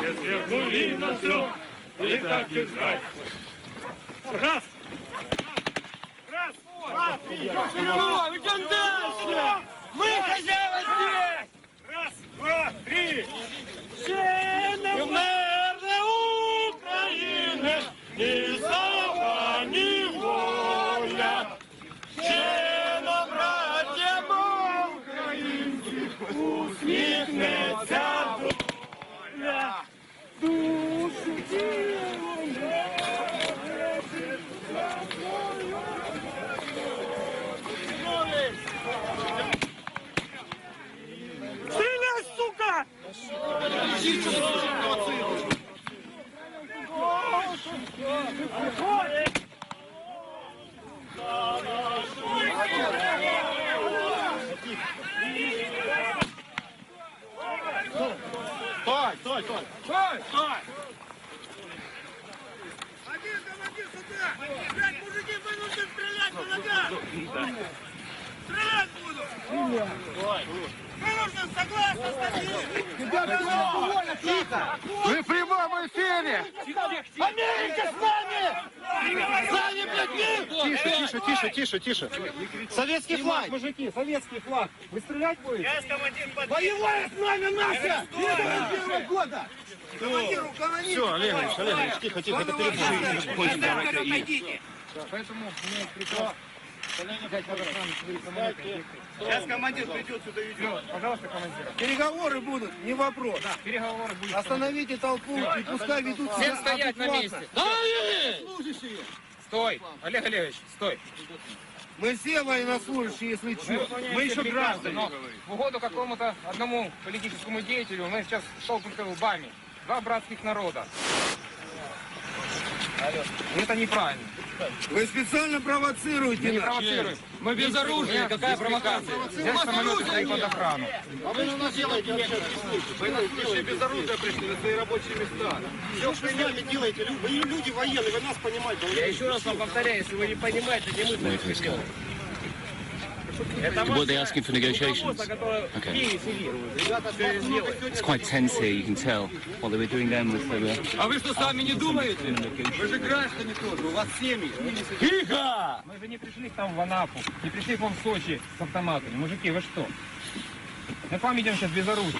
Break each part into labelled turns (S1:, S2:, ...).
S1: свернули на все, и так и ждать. Раз! Раз! Два! Три!
S2: Идем дальше! Мы хозяева здесь!
S1: Раз! Два! Три!
S2: Мирная Украина, ни слава, ни воля. Ще нам, братя українці, усміхнеться доля. Душу тілом Стреляй, сука!
S1: Стой!
S2: Один командир сюда! Блядь, мужики, вы нужно стрелять по ногам! Стрелять буду! Вы нужно согласно статье! Ребята, довольно, тихо!
S3: Мы в прямом эфире!
S2: Америка с нами! С нами, блядь,
S3: Тише.
S4: Советский флаг, мужики, советский флаг. Вы стрелять будете? Боевая с нами наша! 91 года!
S2: командир!
S3: Все, Олегович, тихо, это
S2: Отойдите!
S4: Поэтому мне приказ.
S2: Сейчас командир придет сюда и идет.
S4: Пожалуйста, командир.
S5: Переговоры будут, не вопрос.
S4: Да, переговоры будут.
S5: Остановите толпу и пускай ведут
S4: Всем
S5: себя
S4: стоять на
S5: адекватно.
S4: месте.
S5: Служащие.
S4: Стой! Олег Олегович, стой!
S5: Мы все военнослужащие, если что. Мы еще граждане.
S4: Но в угоду какому-то одному политическому деятелю мы сейчас столкнуты лбами. Два братских народа. И это неправильно.
S5: Вы специально провоцируете
S4: Мы не
S5: нас.
S4: провоцируем. Мы без оружия. Какая провокация? Взять самолеты стоит под охрану.
S3: А вы что делаете вообще? Вы нас пришли без оружия, пришли на свои рабочие места. Все, что вы с нами делаете, вы люди военные, вы нас понимаете.
S2: Я еще раз вам повторяю, если вы не понимаете, не мы будем делать.
S6: Were they asking for negotiations? Okay. It's quite tense here, you can tell. What they were doing then was they were...
S2: А вы что, сами не думаете? Вы же граждане тоже, у вас семьи.
S4: Тихо! Мы же не пришли к вам в Анапу, не пришли к вам в Сочи с автоматами. Мужики, вы что? Мы к вам идем сейчас без оружия.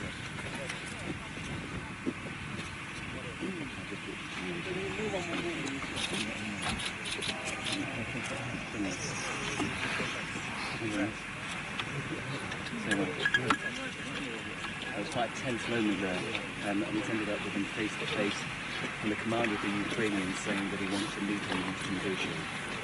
S6: It was quite a tense moment there, and it ended up with them face to face, and the commander of the Ukrainians saying that he wants to meet and wants to negotiate.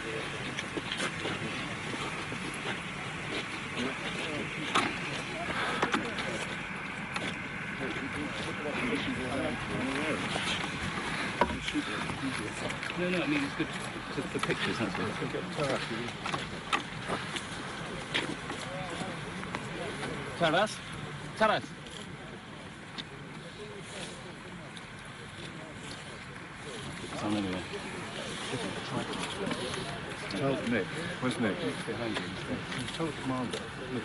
S6: No, I mean it's good for pictures, that's it. Taras? Taras? It's on anyway.
S3: Tell Nick. Where's Nick?
S6: Behind you.
S3: Tell the commander. Look,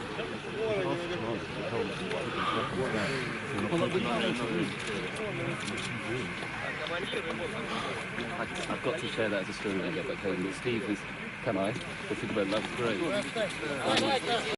S6: I've got to share that as a story when I get back home. But Steve was, can I? We'll think about love, great.